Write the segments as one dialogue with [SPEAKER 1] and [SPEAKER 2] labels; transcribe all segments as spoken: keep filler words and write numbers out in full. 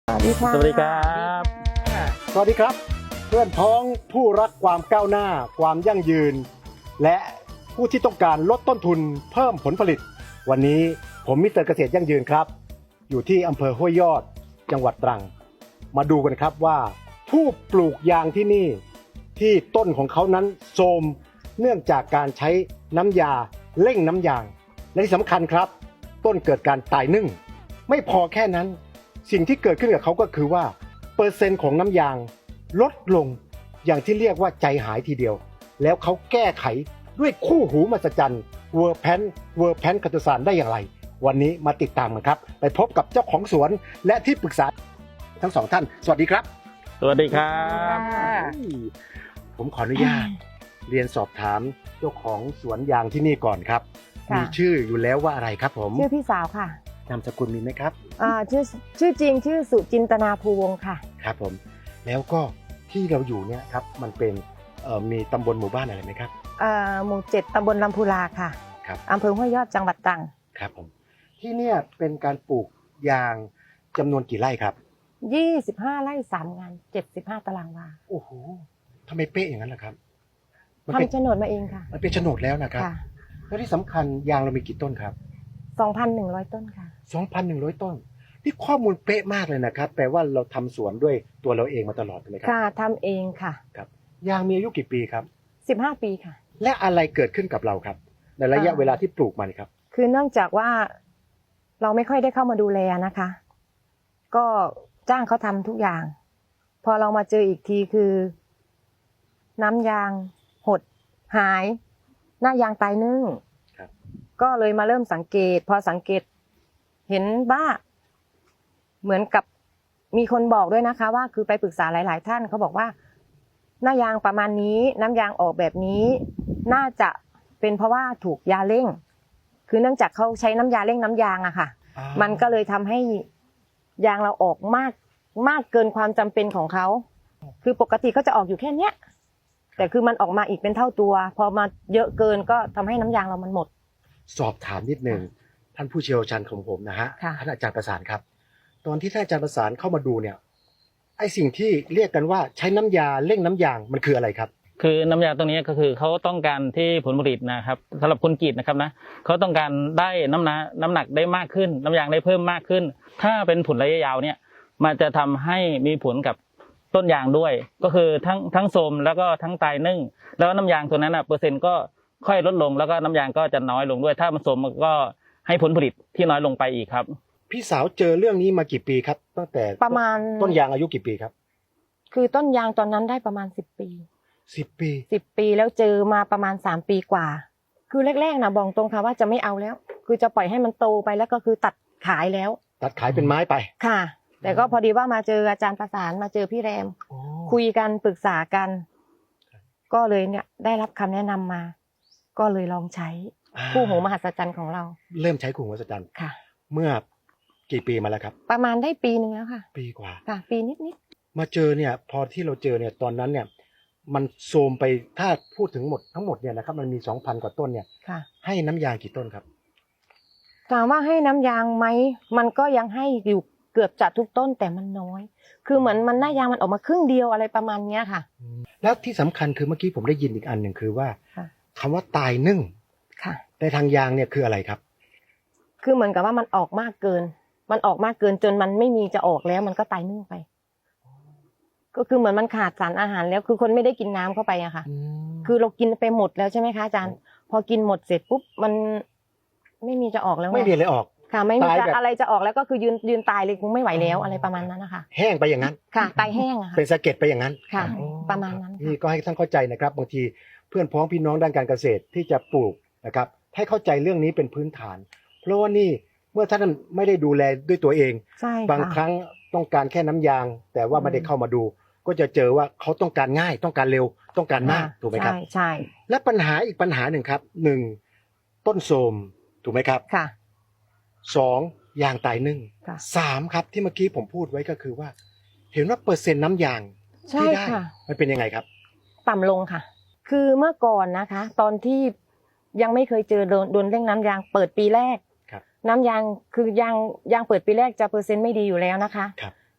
[SPEAKER 1] สวัสดีค่ะ
[SPEAKER 2] สวัสดีครับ
[SPEAKER 3] สวัสดีครับเพื่อนพ้องผู้รักความก้าวหน้าความยั่งยืน และผู้ที่ต้องการลดต้นทุนเพิ่มผลผลิตวันนี้ผมมิสเตอร์เกษตรยั่งยืนครับอยู่ที่อำเภอห้วยยอดจังหวัดตรังมาดูกันครับว่าผู้ปลูกยางที่นี่ที่ต้นของเขานั้นโทรมเนื่องจากการใช้น้ำยาเร่งน้ำยางและที่สำคัญครับต้นเกิดการตายนึ่งไม่พอแค่นั้นสิ่งที่เกิดขึ้นกับเขาก็คือว่าเปอร์เซ็นต์ของน้ำยางลดลงอย่างที่เรียกว่าใจหายทีเดียวแล้วเขาแก้ไขด้วยคู่หูมหัศจรรย์เวอร์แพนเวอร์แพนคาโตซานได้อย่างไรวันนี้มาติดตามกันครับไปพบกับเจ้าของสวนและที่ปรึกษาทั้งสองท่านสวัสดีครับ
[SPEAKER 2] สวัสดีครับ
[SPEAKER 3] ผมขออนุญาตเรียนสอบถามเจ้าของสวนยางที่นี่ก่อนครับ
[SPEAKER 1] ค่ะ
[SPEAKER 3] มีชื่ออยู่แล้วว่าอะไรครับผม
[SPEAKER 1] ชื่อพี่สาวค่ะ
[SPEAKER 3] นามสกุลมีไหมครับ
[SPEAKER 1] อ่าชื่อชื่อจริงชื่อสุจินตนาภูวงศ์ค่ะ
[SPEAKER 3] ครับผมแล้วก็ที่เราอยู่เนี่ยครับมันเป็นเอ่อมีตำบลหมู่บ้านอะไรไหมครับ
[SPEAKER 1] อ่าหมู่เจ็ดตำบลลำพูลาค่ะ
[SPEAKER 3] ครับ
[SPEAKER 1] อำเภอห้วยยอดจังหวัดตรัง
[SPEAKER 3] ครับผมที่เนี่ยเป็นการปลูกยางจำนวนกี่ไร่ครับ
[SPEAKER 1] ยี่สิบห้าไร่สามงานเจ็ดสิบห้าตารางวา
[SPEAKER 3] โอ้โหทำไมเป๊ะอย่างนั้นล่ะครับมันเป็น
[SPEAKER 1] ทำโฉนดมาเองค่ะ
[SPEAKER 3] มันเป็นโฉนดแล้วนะครับ
[SPEAKER 1] ค่ะ
[SPEAKER 3] แล้วที่สำคัญยางเรามีกี่ต้นครับ
[SPEAKER 1] สองพันหนึ่งร้อยต้นค่ะ
[SPEAKER 3] สองพันหนึ่งร้อย ต้นนี่ข้อมูลเป๊ะมากเลยนะครับแปลว่าเราทำสวนด้วยตัวเราเองมาตลอดใช่ไหมครั
[SPEAKER 1] ค่ะทำเองค่ะ
[SPEAKER 3] ครับยางมีอายุกี่ปีครับ
[SPEAKER 1] สิบห้าปีค่ะ
[SPEAKER 3] และอะไรเกิดขึ้นกับเราครับ ในระยะ
[SPEAKER 1] อ่า
[SPEAKER 3] เวลาที่ปลูกมานี่ครับ
[SPEAKER 1] คือเนื่องจากว่าเราไม่ค่อยได้เข้ามาดูแลนะคะ ก็จ้างเขาทำทุกอย่าง พอเรามาเจออีกทีคือ น้ำยางหดหาย หน้ายางตายนึ่ง
[SPEAKER 3] ครับ
[SPEAKER 1] ก็เลยมาเริ่มสังเกต พอสังเกตเห็นว่าเหมือนกับมีคนบอกด้วยนะคะ ว่าคือไปปรึกษาหลาย ๆ ท่านเขาบอกว่า หน้ายางประมาณนี้ น้ำยางออกแบบนี้ น่าจะเป็นเพราะว่าถูกยาเร่ง คือเนื่องจากเขาใช้น้ำยาเร่งน้ำยางอะค่ะ
[SPEAKER 3] อ่า
[SPEAKER 1] มันก็เลยทำให้ยางเราออกมากมากเกินความจำเป็นของเขา คือปกติเขาจะออกอยู่แค่เนี้ย แต่คือมันออกมาอีกเป็นเท่าตัว พอมาเยอะเกินก็ทำให้น้ำยางเรามันหมด
[SPEAKER 3] สอบถามนิดนึงท่านผู้เชี่ยวชาญของผมนะฮะ
[SPEAKER 1] ค่ะ
[SPEAKER 3] ท่านอาจารย์ประสานครับ ตอนที่ท่านอาจารย์ประสานเข้ามาดูเนี่ยไอสิ่งที่เรียกกันว่าใช้น้ำยาเร่งน้ำยางมันคืออะไรครับ
[SPEAKER 2] คือน้ำยาตรงนี้ก็คือเขาต้องการที่ผลผลิตนะครับสำหรับคนกรีดนะครับนะเขาต้องการได้น้ำหนักน้ำหนักได้มากขึ้น น้ำยางได้เพิ่มมากขึ้น ถ้าเป็นผลระยะยาวเนี่ยมันจะทำให้มีผลกับต้นยางด้วย ก็คือทั้งทั้งโทรมแล้วก็ทั้งตายนึ่งแล้วน้ำยางตัวนั้นอ่ะเปอร์เซ็นต์ก็ค่อยลดลงแล้วก็น้ำยางก็จะน้อยลงด้วย ถ้ามันโทรมมันก็ให้ผลผลิตที่น้อยลงไปอีกครับ
[SPEAKER 3] พี่สาวเจอเรื่องนี้มากี่ปีครับ ตั้งแต่
[SPEAKER 1] ประมาณ
[SPEAKER 3] ต้นยางอายุกี่ปีครับ
[SPEAKER 1] คือต้นยางตอนนั้นได้ประมาณสิบปี
[SPEAKER 3] สิบปี
[SPEAKER 1] สิบปีแล้วเจอมาประมาณสามปีกว่า คือแรกๆนะบอกตรงค่ะว่าจะไม่เอาแล้ว คือจะปล่อยให้มันโตไปแล้วก็คือตัดขายแล้ว
[SPEAKER 3] ตัดขายเป็นไม้ไป
[SPEAKER 1] ค่ะ แต่ก็พอดีว่ามาเจออาจารย์ประสานมาเจอพี่แรม คุยกันปรึกษากัน ก็เลยเนี่ยได้รับคำแนะนำมา ก็เลยลองใช้
[SPEAKER 3] อ่า
[SPEAKER 1] คู่หูมหัศจรรย์ของเรา
[SPEAKER 3] เริ่มใช้ขู่วัสจันทร์
[SPEAKER 1] ค่ะ
[SPEAKER 3] เมื่อกี่ปีมาแล้วครับ
[SPEAKER 1] ประมาณได้ปีหนึ่งแล้วค่ะ
[SPEAKER 3] ปีกว่า
[SPEAKER 1] ค่ะ ปีนิด
[SPEAKER 3] มาเจอเนี่ย พอที่เราเจอเนี่ยตอนนั้นเนี่ย มันโทรมไปถ้าพูดถึงหมดทั้งหมดเนี่ยนะครับมันมีสองพันกว่าต้นเนี่ย
[SPEAKER 1] ๆค่ะ
[SPEAKER 3] ให้น้ำยางกี่ต้นครับ
[SPEAKER 1] ถามว่าให้น้ำยางไหมมันก็ยังให้อยู่เกือบจะทุกต้นแต่มันน้อย คือเหมือนมันหน้ายางมันออกมาครึ่งเดียวอะไรประมาณเนี้ยค่ะ
[SPEAKER 3] แล้วที่สำคัญคือเมื่อกี้ผมได้ยินอีกอันหนึ่งคือว่า
[SPEAKER 1] ค่ะ
[SPEAKER 3] คำว่าตายนึ่ง
[SPEAKER 1] ค่ะ
[SPEAKER 3] ในทางยางเนี่ยคืออะไรครับ
[SPEAKER 1] คือเหมือนกับว่ามันออกมากเกิน มันออกมากเกินจนมันไม่มีจะออกแล้ว มันก็ตายนึ่งไป ก็คือเหมือนมันขาดสารอาหารแล้ว คือคนไม่ได้กินน้ำเข้าไปอะค่ะ คือเรากินไปหมดแล้วใช่ไหมคะอาจารย์ พอกินหมดเสร็จปุ๊บมันไม่มีจะออกแล้วง
[SPEAKER 3] ไม่มีอะไรออก
[SPEAKER 1] ค่ะ ไม่มี
[SPEAKER 3] ตาย
[SPEAKER 1] จะ
[SPEAKER 3] แบบ
[SPEAKER 1] อะไรจะออกแล้วก็คือยืนยืนตายเลยคงไม่ไหวแล้วอะไรประมาณนั้นนะคะ
[SPEAKER 3] แห้งไปอย่างนั้น
[SPEAKER 1] ค่ะ ตายแห้งอะค่ะ
[SPEAKER 3] เป็นสะเก็ดไปอย่างนั้น
[SPEAKER 1] ค่ะ
[SPEAKER 3] อ๋อ
[SPEAKER 1] ประมาณนั้นค่ะ
[SPEAKER 3] นี่ก็ให้ท่านเข้าใจนะครับบางทีเพื่อนพ้องพี่น้องด้านการเกษตรที่จะปลูกนะครับให้เข้าใจเรื่องนี้เป็นพื้นฐาน เพราะว่านี่เมื่อท่านไม่ได้ดูแลด้วยตัวเอง
[SPEAKER 1] ใช่ค่ะ
[SPEAKER 3] บางครั้งต้องการแค่น้ำยาง แต่ว่าไม่ได้เข้ามาดู ก็จะเจอว่าเขาต้องการง่ายต้องการเร็วต้องการมากถูกไหมครับ
[SPEAKER 1] ใช่ใช่
[SPEAKER 3] และปัญหาอีกปัญหาหนึ่งครับหนึ่งต้นโทรมถูกไหมครับ
[SPEAKER 1] ค่ะ
[SPEAKER 3] สองยางตายนึ่ง
[SPEAKER 1] ค่ะ
[SPEAKER 3] สามครับที่เมื่อกี้ผมพูดไว้ก็คือว่า เห็นว่าเปอร์เซ็นต์น้ำยาง
[SPEAKER 1] ใช่
[SPEAKER 3] ที่ได้
[SPEAKER 1] ค่ะ
[SPEAKER 3] มันเป็นยังไงครับ
[SPEAKER 1] ต่ำลงค่ะ คือเมื่อก่อนนะคะ ตอนที่ยังไม่เคยเจอโดนโดนเร่งน้ำยางเปิดปีแรก
[SPEAKER 3] ครับ
[SPEAKER 1] น้ำยางคือยางยางเปิดปีแรกจะเปอร์เซ็นต์ไม่ดีอยู่แล้วนะคะ
[SPEAKER 3] ครับ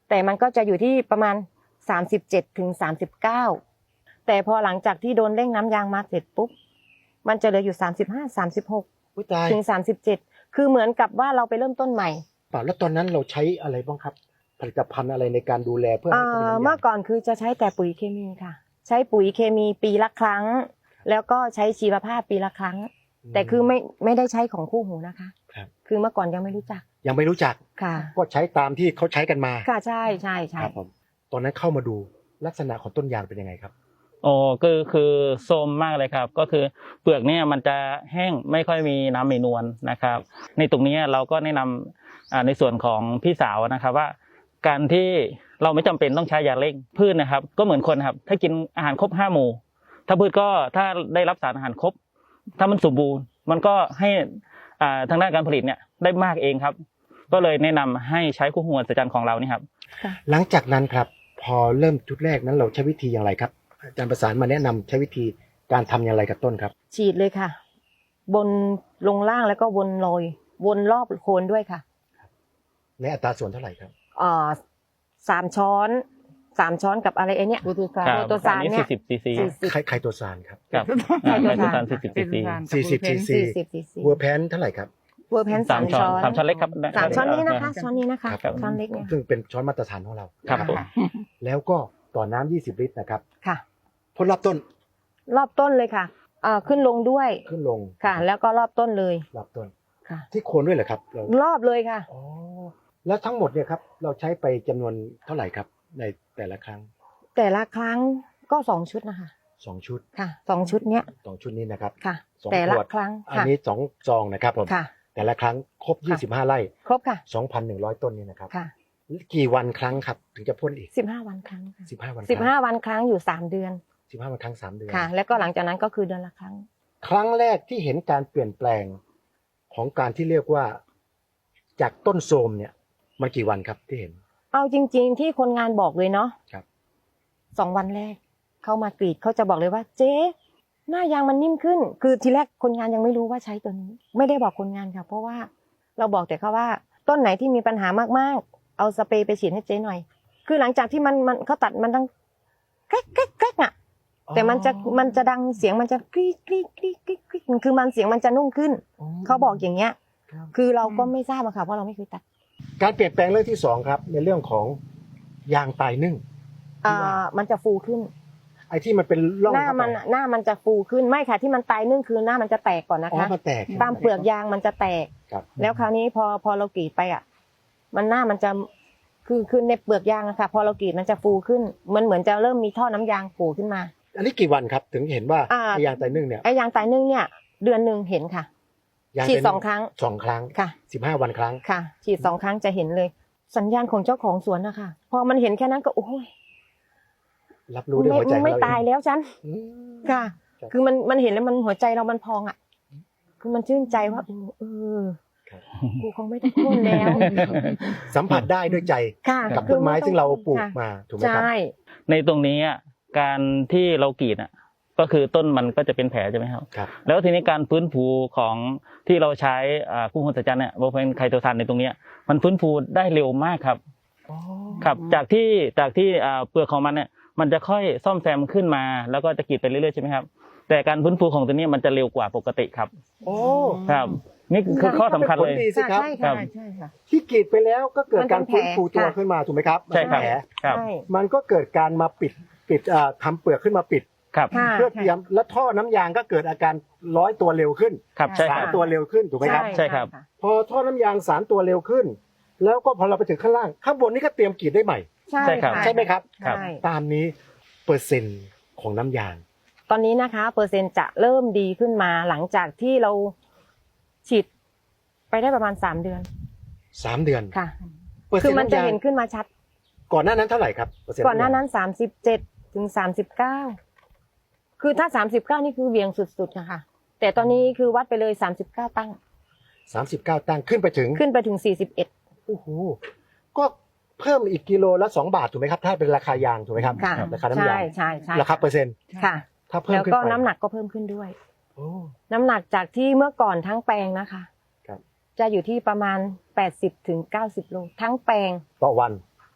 [SPEAKER 1] แต่มันก็จะอยู่ที่ประมาณสามสิบเจ็ดถึงสามสิบเก้าแต่พอหลังจากที่โดนเร่งน้ำยางมาเสร็จปุ๊บมันจะเหลืออยู่สามสิบห้า สามสิบหก
[SPEAKER 3] อุ๊ยตาย
[SPEAKER 1] ถึงสามสิบเจ็ดคือเหมือนกับว่าเราไปเริ่มต้นใหม่
[SPEAKER 3] ป่าแล้วตอนนั้นเราใช้อะไรบ้างครับ ผลิตภัณฑ์อะไรในการดูแลเพื่อให้เขาเป็นน้ำยาง
[SPEAKER 1] เมื่อก่อนคือจะใช้แต่ปุ๋ยเคมีค่ะ ใช้ปุ๋ยเคมีปีละครั้ง แล้วก็ใช้ชีวภาพปีละครั้ง แต่คือไม่ไม่ได้ใช้ของคู่หูนะคะ
[SPEAKER 3] ครับ
[SPEAKER 1] คือเมื่อก่อนยังไม่รู้จัก
[SPEAKER 3] ยังไม่รู้จัก
[SPEAKER 1] ค่ะ
[SPEAKER 3] ก็ใช้ตามที่เขาใช้กันมา
[SPEAKER 1] ค่ะใช่ใช่ใช่
[SPEAKER 3] ครับผมตอนนั้นเข้ามาดูลักษณะของต้นยางเป็นยังไงครับ
[SPEAKER 2] โอ้ก็คือโทรมมากเลยครับ ก็คือเปลือกเนี่ยมันจะแห้งไม่ค่อยมีน้ำมีนวลนะครับ ในตรงนี้เราก็แนะนำอ่าในส่วนของพี่สาวนะครับว่า การที่เราไม่จำเป็นต้องใช้ยาเร่งพืชนะครับ ก็เหมือนคนครับถ้ากินอาหารครบห้าหมู่ ถ้าพืชก็ถ้าได้รับสารอาหารครบ ถ้ามันสมบูรณ์มันก็ให้อ่าทางด้านการผลิตเนี่ยได้มากเองครับ ก็เลยแนะนำให้ใช้คู่หูมหัศจรรย์ของเรานี่ครับ
[SPEAKER 3] หลังจากนั้นครับ พอเริ่มชุดแรกนั้นเราใช้วิธีอย่างไรครับ อาจารย์ประสานมาแนะนำใช้วิธีการทำอย่างไรกับต้นครับ
[SPEAKER 1] ฉีดเลยค่ะ บนลงล่างแล้วก็วนโรยวนรอบโคนด้วยค่ะ
[SPEAKER 3] ในอัตราส่วนเท่าไหร่ครับ
[SPEAKER 1] อ่าสามช้อนสามช้อนกับอะไรไอ้เนี่ย
[SPEAKER 4] โปรโตซาน
[SPEAKER 2] ครับ
[SPEAKER 1] โปรโตซานเนี่ย
[SPEAKER 2] สี่สิบซีซี
[SPEAKER 1] สี่สิบ
[SPEAKER 3] ไคไคโตซานครับ
[SPEAKER 2] ครับอ่าไคโตซานสี่สิบซีซี
[SPEAKER 3] สี่สิบ ซีซี
[SPEAKER 1] สี่สิบซีซี
[SPEAKER 3] เวอร์แพนเท่าไหร่ครับ
[SPEAKER 1] เวอร์แพน
[SPEAKER 2] สา
[SPEAKER 1] สาม ม
[SPEAKER 2] ช้อ
[SPEAKER 1] ช้
[SPEAKER 2] น
[SPEAKER 1] อน
[SPEAKER 2] สามช้อนเล็กครับ
[SPEAKER 1] สามช้อนนี้นะคะ
[SPEAKER 2] ครับ
[SPEAKER 1] ช้อนนี้นะคะ
[SPEAKER 3] ครับ
[SPEAKER 1] ช้อนเล็กเนี่ย
[SPEAKER 3] ซึ่งเป็นช้อนมาตรฐานของเรา
[SPEAKER 2] ครับผม
[SPEAKER 3] แล้วก็ต่อน้ำยี่สิบลิตรนะครับ
[SPEAKER 1] ค่ะ
[SPEAKER 3] พ่นรอบต้น
[SPEAKER 1] รอบต้นเลยค่ะอ่าขึ้นลงด้วย
[SPEAKER 3] ขึ้นลง
[SPEAKER 1] ค่ะ แล้วก็รอบต้นเลย
[SPEAKER 3] รอบต้น
[SPEAKER 1] ค่ะ
[SPEAKER 3] ที่โคนด้วยเหรอครับเรา
[SPEAKER 1] รอบเลยค่ะ
[SPEAKER 3] อ๋อแล้วทั้งหมดเนี่ยครับเราใช้ไปจำนวนเท่าไหร่ครับ ในแต่ละครั้ง
[SPEAKER 1] แต่ละครั้งก็สองชุดนะคะ
[SPEAKER 3] สองชุด
[SPEAKER 1] ค่ะสองชุดเนี้ย
[SPEAKER 3] สองชุดนี้นะครับ
[SPEAKER 1] ค่ะ
[SPEAKER 3] สอง
[SPEAKER 1] แต่ละ
[SPEAKER 3] ขวด
[SPEAKER 1] ครั้ง
[SPEAKER 3] อัน
[SPEAKER 1] ค่ะ
[SPEAKER 3] นี้สองซองนะครับผม
[SPEAKER 1] ค่ะ
[SPEAKER 3] แต่ละครั้งครบ
[SPEAKER 1] ค่ะ
[SPEAKER 3] ยี่สิบห้าไร่
[SPEAKER 1] ครบค่ะ
[SPEAKER 3] สองพันหนึ่งร้อยต้นนี่นะครับ
[SPEAKER 1] ค่ะ
[SPEAKER 3] กี่วันครั้งครับ ถึงจะพ่นอีก
[SPEAKER 1] สิบห้าวันครั้งค่ะ
[SPEAKER 3] สิบห้าวัน
[SPEAKER 1] สิบห้าวันครั้งอยู่สามเดือน
[SPEAKER 3] สิบห้าวันครั้งสามเดือน
[SPEAKER 1] ค่ะ แล้วก็หลังจากนั้นก็คือเดือนละครั้ง
[SPEAKER 3] ครั้งแรกที่เห็นการเปลี่ยนแปลงของการที่เรียกว่าจากต้นโทรมเนี่ยมันกี่วันครับที่เห็น
[SPEAKER 1] เอาจริง ๆ ที่คนงานบอกเลยเนาะ
[SPEAKER 3] ครับ
[SPEAKER 1] สองวันแรกเข้ามากรีดเขาจะบอกเลยว่า เจ๊หน้ายางมันนิ่มขึ้น คือทีแรกคนงานยังไม่รู้ว่าใช้ตัวนี้ ไม่ได้บอกคนงานค่ะ เพราะว่าเราบอกแต่เขาว่าต้นไหนที่มีปัญหามากๆ เอาสเปรย์ไปฉีดให้เจ๊หน่อย คือหลังจากที่มันมันเขาตัดมันดังแก๊กแก๊กแก๊กอ่ะ แต่มันจะมันจะดังเสียงมันจะกรี๊ดกรี๊ดกรี๊ดกรี๊ดกรี๊ดคือมันเสียงมันจะนุ่มขึ้น เขาบอกอย่างเงี้ย
[SPEAKER 3] ครับ
[SPEAKER 1] คือเราก็ไม่ทราบอะค่ะเพราะเราไม่เคยตัด
[SPEAKER 3] การเปลี่ยนแปลงเรื่องที่สองครับ ในเรื่องของยางตายนึ่ง
[SPEAKER 1] อ่ามันจะฟูขึ้น
[SPEAKER 3] ไอ้ที่มันเป็นร่อง
[SPEAKER 1] หน้า
[SPEAKER 3] เข้าไป
[SPEAKER 1] มันอะหน้ามันจะฟูขึ้นไม่ค่ะที่มันตายนึ่งคือหน้ามันจะแตกก่อนนะ
[SPEAKER 3] อ๋อ
[SPEAKER 1] คะ
[SPEAKER 3] มันแตก
[SPEAKER 1] ตามเปลือกยางมันจะแตก
[SPEAKER 3] ครับ
[SPEAKER 1] แล้วคราวนี้พอพอเรากรีดไปอ่ะ มันหน้ามันจะคือคือในเปลือกยางอะค่ะ พอเรากรีดมันจะฟูขึ้นมันเหมือนจะเริ่มมีท่อน้ำยางโผล่ขึ้นมา
[SPEAKER 3] อันนี้กี่วันครับ ถึงเห็นว่า
[SPEAKER 1] อ่า
[SPEAKER 3] ไอ้ยางตายนึ่งเนี่ย
[SPEAKER 1] ไอ้ยางตายนึ่งเนี่ย เดือนหนึ่งเห็นค่ะ
[SPEAKER 3] ยาง
[SPEAKER 1] ฉีด
[SPEAKER 3] ตายนึ่
[SPEAKER 1] สองครั้ง
[SPEAKER 3] สองครั้ง
[SPEAKER 1] ค่ะ
[SPEAKER 3] สิบห้าวันครั้ง
[SPEAKER 1] ค่ะ ฉีดสองครั้งจะเห็นเลย สัญญาณของเจ้าของสวนนะคะพอมันเห็นแค่นั้นก็โอ้ย
[SPEAKER 3] รับรู้ด้วย
[SPEAKER 1] ไม่
[SPEAKER 3] หัวใจของ
[SPEAKER 1] ไม่
[SPEAKER 3] เราเอง
[SPEAKER 1] ตายแล้วฉัน
[SPEAKER 3] อืม
[SPEAKER 1] ค่ะ
[SPEAKER 3] ครับ
[SPEAKER 1] คือมันมันเห็นแล้วมันหัวใจเรามันพองอ่ะ คือมันชื่นใจว่าเออ
[SPEAKER 3] ครับ
[SPEAKER 1] กูคงไม่ต้องพ่นแล้ว
[SPEAKER 3] สัมผัสได้ด้วยใจ
[SPEAKER 1] ค่ะ
[SPEAKER 3] กับ
[SPEAKER 1] คื
[SPEAKER 3] ต้
[SPEAKER 1] อน
[SPEAKER 3] ไม้
[SPEAKER 1] ต้อ
[SPEAKER 3] ซึ่งเราปลูก
[SPEAKER 1] ค่ะ
[SPEAKER 3] มาถูกไหมครับ
[SPEAKER 1] ใช่
[SPEAKER 2] ในตรงนี้อ่ะการที่เรากรีดอ่ะก็คือต้นมันก็จะเป็นแผลใช่ไหมครับ
[SPEAKER 3] ครับ
[SPEAKER 2] แล้วทีนี้การฟื้นฟูของที่เราใช้อ่าคู่หูมหัศจรรย์เนี่ยโบเฟนไคโตซานในตรงเนี้ยมันฟื้นฟูได้เร็วมากครับครับจากที่จากที่อ่าเปลือกของมันเนี่ยมันจะค่อยซ่อมแซมขึ้นมาแล้วก็จะกรีดไปเรื่อยๆใช่ไหมครับแต่การฟื้นฟูของตัวนี้มันจะเร็วกว่าปกติครับ
[SPEAKER 3] โอ้
[SPEAKER 2] ครับนี่คือข้อสำคัญเลย
[SPEAKER 3] ผลดีสิครับ
[SPEAKER 1] ใช่
[SPEAKER 2] ครั
[SPEAKER 1] ค่ะ
[SPEAKER 2] บ
[SPEAKER 1] ใช่ค่ะ
[SPEAKER 3] ที่กรีดไปแล้วก็เกิดการ
[SPEAKER 1] มันเป็น
[SPEAKER 3] ฟื้นฟูตัว
[SPEAKER 1] แผลค่ะ
[SPEAKER 3] ขึ้นมาถูกไหมครับ
[SPEAKER 2] ใช่ครับ
[SPEAKER 3] มันเป็นแผล
[SPEAKER 2] ครับ
[SPEAKER 1] ใช่
[SPEAKER 3] มันก็เกิดการมาปิดปิดอ่าทำเปลือกขึ้นมาปิด
[SPEAKER 2] ครับ
[SPEAKER 1] ค่ะ
[SPEAKER 3] เพื่อเตรียมและท่อน้ำยางก็เกิดอาการร้อยตัวเร็วขึ้น
[SPEAKER 2] ครับใช่
[SPEAKER 3] สา
[SPEAKER 2] ค
[SPEAKER 3] ร
[SPEAKER 2] รับ
[SPEAKER 3] ตัวเร็วขึ้นถูกไหมครับ
[SPEAKER 2] ใช่ครับ
[SPEAKER 1] ะ
[SPEAKER 3] พอท่อน้ำยางสารตัวเร็วขึ้น แล้วก็พอเราไปถึงข้างล่างข้างบนนี่ก็เตรียมกรีดได้ใหม่
[SPEAKER 1] ใช่
[SPEAKER 2] ใช่ครับ
[SPEAKER 1] ะ
[SPEAKER 3] ใช่ไหมครับ
[SPEAKER 2] ครับ
[SPEAKER 1] ใช่
[SPEAKER 3] ตามนี้เปอร์เซ็นต์ของน้ำยาง
[SPEAKER 1] ตอนนี้นะคะ เปอร์เซ็นต์จะเริ่มดีขึ้นมาหลังจากที่เราฉีดไปได้ประมาณสามเดือน
[SPEAKER 3] สามเดือน
[SPEAKER 1] ค่ะ
[SPEAKER 3] เปอร์
[SPEAKER 1] คื
[SPEAKER 3] เซ็น
[SPEAKER 1] อ
[SPEAKER 3] ต์
[SPEAKER 1] มันจะ
[SPEAKER 3] น้ำยาง
[SPEAKER 1] เห็นขึ้นมาชัด
[SPEAKER 3] ก่อนหน้านั้นเท่าไหร่ครับเปอร์เซ็นต์
[SPEAKER 1] ก่อนหน้า
[SPEAKER 3] ำยง
[SPEAKER 1] นั้นสามสิบเจ็ดถึงสามสิบเก้าคือถ้าสามสิบเก้านี่คือเวียงสุดๆนะคะแต่ตอนนี้คือวัดไปเลยสามสิบเก้าตั้ง
[SPEAKER 3] สามสิบเก้าตั้งขึ้นไปถึง
[SPEAKER 1] ขึ้นไปถึงสี่สิบเอ็ด
[SPEAKER 3] โอ้โหก็เพิ่มอีกกิโลละสองบาทถูกไหมครับถ้าเป็นราคายางถูกไหมครับ
[SPEAKER 1] ค่ะ
[SPEAKER 3] ราคาน้ำ
[SPEAKER 1] ใช่
[SPEAKER 3] ยาง
[SPEAKER 1] ใช่ใช่
[SPEAKER 3] ราคาเปอร์เซ็นต์
[SPEAKER 1] ค่ะ
[SPEAKER 3] ถ้าเพิ่ม
[SPEAKER 1] แล้ว
[SPEAKER 3] ขึ้น
[SPEAKER 1] ก็
[SPEAKER 3] ไป
[SPEAKER 1] น้ำหนักก็เพิ่มขึ้นด้วย
[SPEAKER 3] โอ้
[SPEAKER 1] น้ำหนักจากที่เมื่อก่อนทั้งแปลงนะคะ
[SPEAKER 3] ครับ
[SPEAKER 1] จะอยู่ที่ประมาณแปดสิบถึงเก้าสิบโลทั้งแปลง
[SPEAKER 3] ต่อวัน
[SPEAKER 1] ค่ะ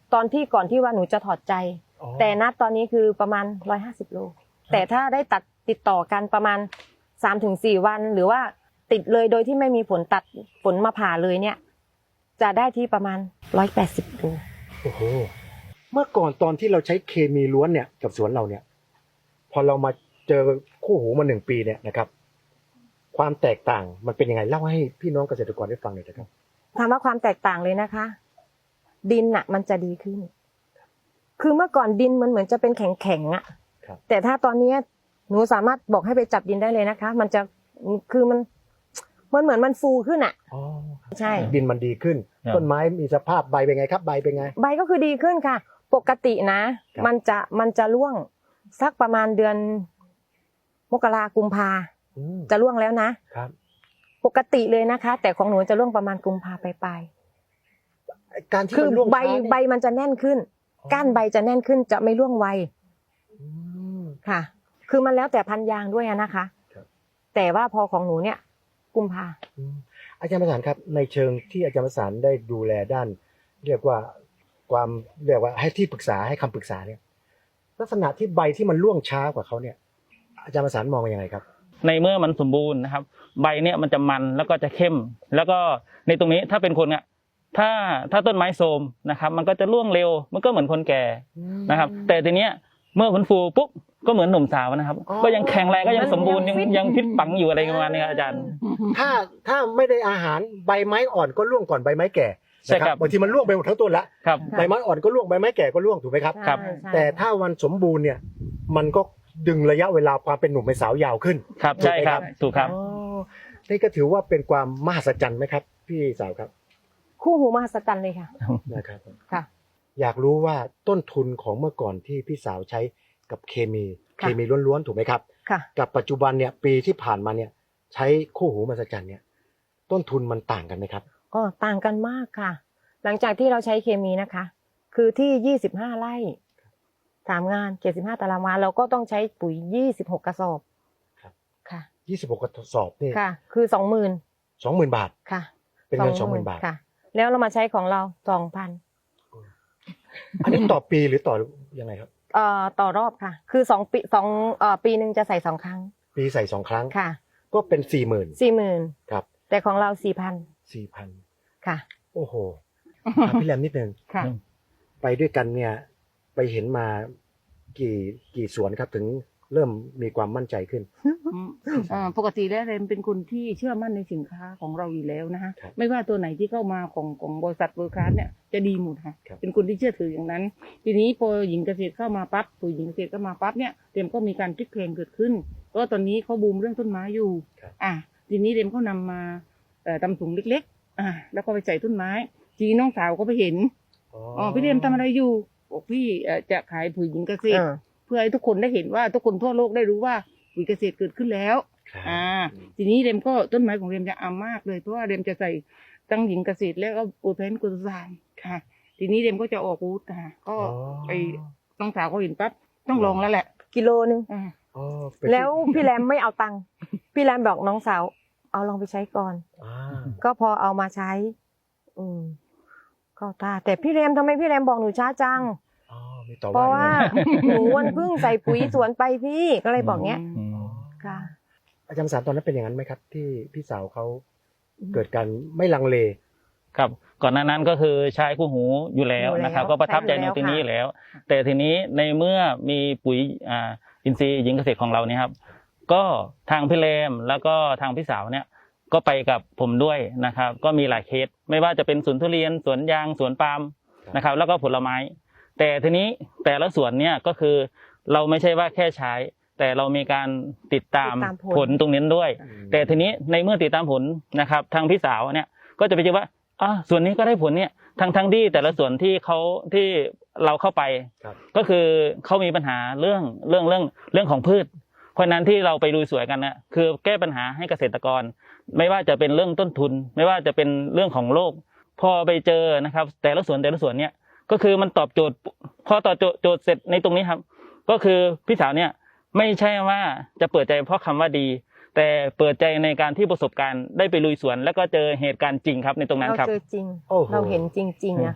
[SPEAKER 1] ตอนที่ก่อนที่ว่าหนูจะถอดใจ
[SPEAKER 3] อ๋อ
[SPEAKER 1] แต่ณตอนนี้คือประมาณร้อยห้าสิบโลแต่ถ้าได้ตัดติดต่อกันประมาณสามถึงสี่วันหรือว่าติดเลยโดยที่ไม่มีฝนตัดฝนมาผ่าเลยเนี่ย จะได้ที่ประมาณร้อยแปดสิบโล
[SPEAKER 3] โอ้โหเมื่อก่อนตอนที่เราใช้เคมีล้วนเนี่ยกับสวนเราเนี่ย พอเรามาเจอคู่หูมาหนึ่งปีเนี่ยนะครับ ความแตกต่างมันเป็นยังไงเล่าให้พี่น้องเกษตรกรได้ฟังหน่อยนะครับ
[SPEAKER 1] ถามว่าความแตกต่างเลยนะคะ ดินอ่ะ มันจะดีขึ้น คือเมื่อก่อนดินมันเหมือนจะเป็นแข็งๆอ่ะ
[SPEAKER 3] ครับ
[SPEAKER 1] แต่ถ้าตอนนี้หนูสามารถบอกให้ไปจับดินได้เลยนะคะ มันจะคือมันมันเหมือนมันฟูขึ้นอ่ะ
[SPEAKER 3] อ๋อ
[SPEAKER 1] ใช่
[SPEAKER 3] ดินมันดีขึ้น
[SPEAKER 2] ครับ
[SPEAKER 3] ต้นไม้มีสภาพใบเป็นไงครับ ใบเป็นไง
[SPEAKER 1] ใบก็คือดีขึ้นค่ะ ปกตินะ
[SPEAKER 3] ครับ
[SPEAKER 1] มันจะมันจะร่วงสักประมาณเดือนมกรากุมภา
[SPEAKER 3] อืม
[SPEAKER 1] จะร่วงแล้วนะ
[SPEAKER 3] ครับ
[SPEAKER 1] ปกติเลยนะคะ แต่ของหนูจะร่วงประมาณกุมภาปลาย
[SPEAKER 3] การที่
[SPEAKER 1] ๆคือ
[SPEAKER 3] มันร่วง
[SPEAKER 1] ใบ
[SPEAKER 3] ช้าเนี่ย
[SPEAKER 1] ใบมันจะแน่นขึ้น ก้านใบจะแน่นขึ้นจะไม่ร่วงไว
[SPEAKER 3] อืม
[SPEAKER 1] ค่ะ คือมันแล้วแต่พันธุ์ยางด้วยอะนะคะ
[SPEAKER 3] ครับ
[SPEAKER 1] แต่ว่าพอของหนูเนี่ย กุมภา
[SPEAKER 3] อืมอาจารย์ประสานครับในเชิงที่อาจารย์ประสานได้ดูแลด้าน เรียกว่าความเรียกว่าให้ที่ปรึกษาให้คำปรึกษาเนี่ย ลักษณะที่ใบที่มันร่วงช้ากว่าเขาเนี่ย อาจารย์ประสานมองว่ายังไงครับ
[SPEAKER 2] ในเมื่อมันสมบูรณ์นะครับ ใบเนี่ยมันจะมันแล้วก็จะเข้ม แล้วก็ในตรงนี้ถ้าเป็นคนเนี่ยถ้าถ้าต้นไม้โทรมนะครับ มันก็จะร่วงเร็ว มันก็เหมือนคนแก่นะครับ แต่ทีเนี้ยเมื่อมันฟูปุ๊บก็เหมือนหนุ่มสาวนะครับ
[SPEAKER 1] อ๋อ
[SPEAKER 2] ก็ยังแข็งแรงก็ยังสมบูรณ์
[SPEAKER 1] ยั
[SPEAKER 2] ยัง
[SPEAKER 1] งฟิต
[SPEAKER 2] ยังฟิตปังอยู่อะไรประมาณนี้ครับอาจารย์
[SPEAKER 3] ถ้าถ้าไม่ได้อาหารใบไม้อ่อนก็ร่วงก่อนใบไม้แก่
[SPEAKER 2] ใช่
[SPEAKER 3] นะครับ บางทีมันร่วงไปหมดทั้งต้นละ
[SPEAKER 2] ครับ
[SPEAKER 3] ใบไม้อ่อนก็ร่วงใบไม้แก่ก็ร่วงถูกไหมครับ
[SPEAKER 2] ครับ
[SPEAKER 1] ใช่ใช่
[SPEAKER 3] แต่ถ้ามันสมบูรณ์เนี่ย มันก็ดึงระยะเวลาความเป็นหนุ่มเป็นสาวยาวขึ้น
[SPEAKER 2] ครับใช่ครับถูกครับ
[SPEAKER 3] อ๋อนี่ก็ถือว่าเป็นความมหัศจรรย์ไหมครับ พี่สาวครับ
[SPEAKER 1] คู่หูมหัศจรรย์เลยค่ะ
[SPEAKER 3] นะครับ
[SPEAKER 1] ค่ะ
[SPEAKER 3] อยากรู้ว่าต้นทุนของเมื่อก่อนที่พี่สาวใช้กับเคมี
[SPEAKER 1] ค่ะ
[SPEAKER 3] เคมีล้วนๆถูกไหมครับ
[SPEAKER 1] ค่ะ
[SPEAKER 3] กับปัจจุบันเนี่ยปีที่ผ่านมาเนี่ย ใช้คู่หูมหัศจรรย์เนี่ย ต้นทุนมันต่างกันไหมครับ
[SPEAKER 1] อ๋อต่างกันมากค่ะ หลังจากที่เราใช้เคมีนะคะ คือที่ยี่สิบห้าไร่สามงานเจ็ดสิบห้าตารางวาเราก็ต้องใช้ปุ๋ยยี่สิบหกกระสอบ
[SPEAKER 3] ครับ
[SPEAKER 1] ค่ะ
[SPEAKER 3] ยี่สิบหกกระสอบนี่
[SPEAKER 1] ค่ะ คือสองหมื่น
[SPEAKER 3] สองหมื่นบาท
[SPEAKER 1] ค่ะ
[SPEAKER 3] เป็นเงินสองหมื่นบาท
[SPEAKER 1] ค่ะ แล้วเรามาใช้ของเราสองพัน
[SPEAKER 3] อันนี้ต่อปีหรือต่อยังไงครับ
[SPEAKER 1] เอ่อต่อรอบค่ะ คือสองปีสองเอ่อปีหนึ่งจะใส่สองครั้ง
[SPEAKER 3] ปีใส่สองครั้ง
[SPEAKER 1] ค่ะ
[SPEAKER 3] ก็เป็นสี่หมื่น
[SPEAKER 1] สี่หมื่น
[SPEAKER 3] ครับ
[SPEAKER 1] แต่ของเราสี่พัน
[SPEAKER 3] สี่พัน
[SPEAKER 1] ค่ะ
[SPEAKER 3] โอ้โหถามพี่แรมนิดนึง
[SPEAKER 1] ค่ะ
[SPEAKER 3] ไปด้วยกันเนี่ย ไปเห็นมากี่กี่สวนครับถึงเริ่มมีความมั่นใจขึ้น
[SPEAKER 4] อ่าปกติแล้วเรนเป็นคนที่เชื่อมั่นในสินค้าของเราอยู่แล้วนะฮะ
[SPEAKER 3] ครับ
[SPEAKER 4] ไม่ว่าตัวไหนที่เข้ามาของของบริษัทเวอร์คลาสเนี่ยจะดีหมดค่ะ
[SPEAKER 3] ครับ
[SPEAKER 4] เป็นคนที่เชื่อถืออย่างนั้น ทีนี้พอหญิงเกษตรเข้ามาปั๊บปุ๋ยหญิงเกษตรเข้ามาปั๊บเนี่ยเรมก็มีการพลิกเพลงเกิดขึ้นเพราะว่าตอนนี้เขาบูมเรื่องต้นไม้อยู่
[SPEAKER 3] ครับ
[SPEAKER 4] อ่ะทีนี้เรมก็นำมาเอ่อทำถุงเล็กๆอ่ะแล้วก็ไปใส่ต้นไม้ทีนี้น้องสาวก็ไปเห็นอ๋อพี่เรมทำอะไรอยู่บอกพี่เอ่อจะขายปุ๋ยหญิงเกษตร
[SPEAKER 1] เออ
[SPEAKER 4] เพื่อให้ทุกคนได้เห็นว่าทุกคนทั่วโลกได้รู้ว่าปุ๋ยเกษตรเกิดขึ้นแล้ว
[SPEAKER 3] ครับ
[SPEAKER 4] อ่า ทีนี้เรมก็ต้นไม้ของเรมจะอามากเลยเพราะว่าเรมจะใส่ตั้งหญิงเกษตรแล้วก็โอเพนกุซานค่ะ ทีนี้เรมก็จะออกบูธค่ะก็
[SPEAKER 3] อ๋อ
[SPEAKER 4] ไปน้องสาวก็เห็นปั๊บต้องลองแล้วแหละ
[SPEAKER 1] กิโลนึง
[SPEAKER 4] อ่า
[SPEAKER 3] อ๋อเป็นที่
[SPEAKER 1] แล้วพี่แรมไม่เอาตังค์ พี่แรมบอกน้องสาว เอาลองไปใช้ก่อน
[SPEAKER 3] อ่า
[SPEAKER 1] ก็พอเอามาใช้ อืมก็ตาแต่พี่แรมทำไมพี่แรมบอกหนูช้าจัง
[SPEAKER 3] อ๋อมีต่อ
[SPEAKER 1] เพราะว่า
[SPEAKER 3] ด้วย
[SPEAKER 1] หนูวันเพิ่งใส่ปุ๋ยสวนไปพี่ก็เลยบอกเงี้ย
[SPEAKER 2] อืม
[SPEAKER 1] ค่ะ
[SPEAKER 3] อาจารย์สารตอนนั้นเป็นอย่างนั้นไหมครับ ที่พี่สาวเขาเกิดการไม่ลังเล
[SPEAKER 2] ครับก่อนหน้านั้นก็คือใช้คู่หูอยู่แล้ว
[SPEAKER 1] อยู่แล้ว
[SPEAKER 2] นะครับ ก็ประทับใจ
[SPEAKER 1] ใช้อยู่
[SPEAKER 2] ในตรงนี้
[SPEAKER 1] แล้ว
[SPEAKER 2] อยู่แล้ว แต่ทีนี้ในเมื่อมีปุ๋ยอ่าอินทรีย์หญิงเกษตรของเราเนี่ยครับ ก็ทางพี่เลมแล้วก็ทางพี่สาวเนี่ยก็ไปกับผมด้วยนะครับ ก็มีหลายเคสไม่ว่าจะเป็นสวนทุเรียนสวนยางสวนปาล์มนะครับ แล้วก็ผลไม้ แต่ทีนี้แต่ละสวนเนี่ยก็คือเราไม่ใช่ว่าแค่ใช้ แต่เรามีการติดตาม
[SPEAKER 1] ติดตามผล
[SPEAKER 2] ผลตรงนี้ด้วย แต่ทีนี้ในเมื่อติดตามผลนะครับ ทางพี่สาวเนี่ยก็จะไปเจอว่าอ่าส่วนนี้ก็ได้ผลเนี่ยทั้งทั้งที่แต่ละส่วนที่เขาที่เราเข้าไป
[SPEAKER 3] ครับ
[SPEAKER 2] ก็คือเขามีปัญหาเรื่องเรื่องเรื่องเรื่องของพืช เพราะฉะนั้นที่เราไปลุยสวยกันนะคือแก้ปัญหาให้เกษตรกร ไม่ว่าจะเป็นเรื่องต้นทุน ไม่ว่าจะเป็นเรื่องของโลกพอไปเจอนะครับ แต่ละสวนแต่ละสวนเนี่ยก็คือมันตอบโจทย์พอตอบโจทย์โจทย์เสร็จในตรงนี้ครับ ก็คือพี่สาวเนี่ยไม่ใช่ว่าจะเปิดใจเพราะคำว่าดี แต่เปิดใจในการที่ประสบการณ์ได้ไปลุยสวน แล้วก็เจอเหตุการณ์จริงครับในตรงนั้น
[SPEAKER 1] เรา
[SPEAKER 2] ครับ
[SPEAKER 1] เจอจริง
[SPEAKER 3] โอ้โห
[SPEAKER 1] เราเห็นจริงๆอะค่ะ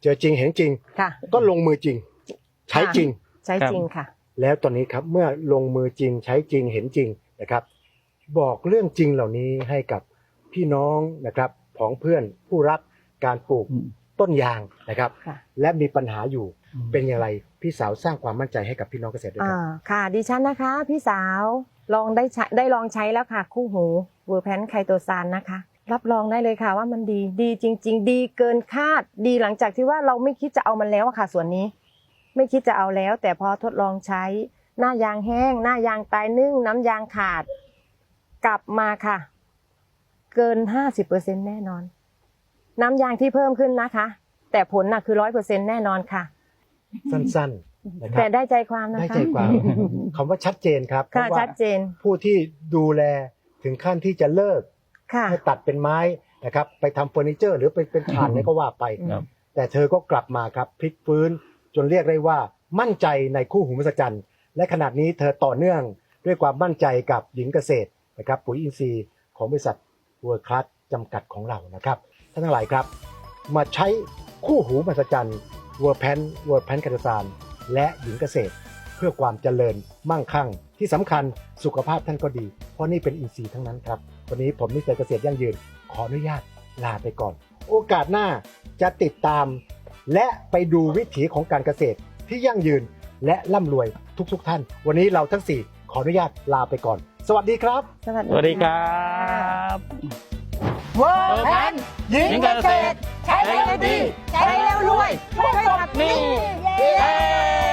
[SPEAKER 3] เจอจริงเห็นจริง
[SPEAKER 1] ค่ะ
[SPEAKER 3] ก็ลงมือจริง ใช้จริง
[SPEAKER 1] ใช้จริงค่ะ
[SPEAKER 3] แล้วตอนนี้ครับเมื่อลงมือจริงใช้จริงเห็นจริงนะครับ บอกเรื่องจริงเหล่านี้ให้กับพี่น้องนะครับของเพื่อนผู้รักการปลูก
[SPEAKER 2] อืม
[SPEAKER 3] ต้นยางนะครับ
[SPEAKER 1] ค่ะ
[SPEAKER 3] และมีปัญหาอยู่เป็นอย่างไรพี่สาวสร้างความมั่นใจให้กับพี่น้องเกษตรด้วยค
[SPEAKER 1] อ่า
[SPEAKER 3] รับ
[SPEAKER 1] ค่ะดิฉันนะคะ พี่สาวลองได้ใช้ได้ลองใช้แล้วค่ะ คู่หูเวอร์แพนไคโตซานนะคะ รับรองได้เลยค่ะว่ามันดีดีจริง ๆ ดีเกินคาด ดีหลังจากที่ว่าเราไม่คิดจะเอามันแล้วอะค่ะ ส่วนนี้ ไม่คิดจะเอาแล้ว แต่พอทดลองใช้หน้ายางแห้ง หน้ายางตายนึ่ง น้ำยางขาด กลับมาค่ะ เกินห้าสิบเปอร์เซ็นแน่นอน น้ำยางที่เพิ่มขึ้นนะคะ แต่ผลน่ะคือร้อยเปอร์เซ็นแน่นอนค่ะ
[SPEAKER 3] สั้นๆนะครั
[SPEAKER 1] แต่ได้ใจความนะคะ
[SPEAKER 3] ได้ใจความคำว่าชัดเจนครับเพ
[SPEAKER 1] ค่ะ
[SPEAKER 3] ราะว่า
[SPEAKER 1] ชัดเจน
[SPEAKER 3] ผู้ที่ดูแลถึงขั้นที่จะเลิก
[SPEAKER 1] ค่ะ
[SPEAKER 3] ให้ตัดเป็นไม้นะครับไปทำเฟอร์นิเจอร์หรือไปเป็นถ่านเนี่ยก็ว่าไป
[SPEAKER 2] ครับ
[SPEAKER 3] แต่เธอก็กลับมาครับพลิกฟื้นจนเรียกได้ว่ามั่นใจในคู่หูมหัศจรรย์และขนาดนี้เธอต่อเนื่องด้วยความมั่นใจกับหญิงเกษตรนะครับปุ๋ยอินทรีย์ของบริษัทเวิร์คคลาสจำกัดของเรานะครับท่านทั้งหลายครับมาใช้คู่หูมหัศจรรย์เวิร์แพนเวิร์แพนคาตซานและหญิงเกษตร เพื่อความเจริญมั่งคั่งที่สำคัญสุขภาพท่านก็ดี เพราะนี่เป็นอินทรีย์ทั้งนั้นครับวันนี้ผมมิสเตอร์เกษตรยั่งยืนขออนุญาตลาไปก่อน โอกาสหน้าจะติดตาม และไปดูวิถีของการเกษตรที่ยั่งยืนและร่ำรวยทุกๆทท่าน วันนี้เราทั้งสี่ขออนุญาตลาไปก่อน สวัสดีครับ
[SPEAKER 1] สวัส
[SPEAKER 2] สวัสดีครับ
[SPEAKER 1] เวอร์แพน
[SPEAKER 3] หญิง
[SPEAKER 2] เกษตร
[SPEAKER 1] ใช้แล้วดี ใช้แล้วรวยช่วยขับหนี้
[SPEAKER 2] เย้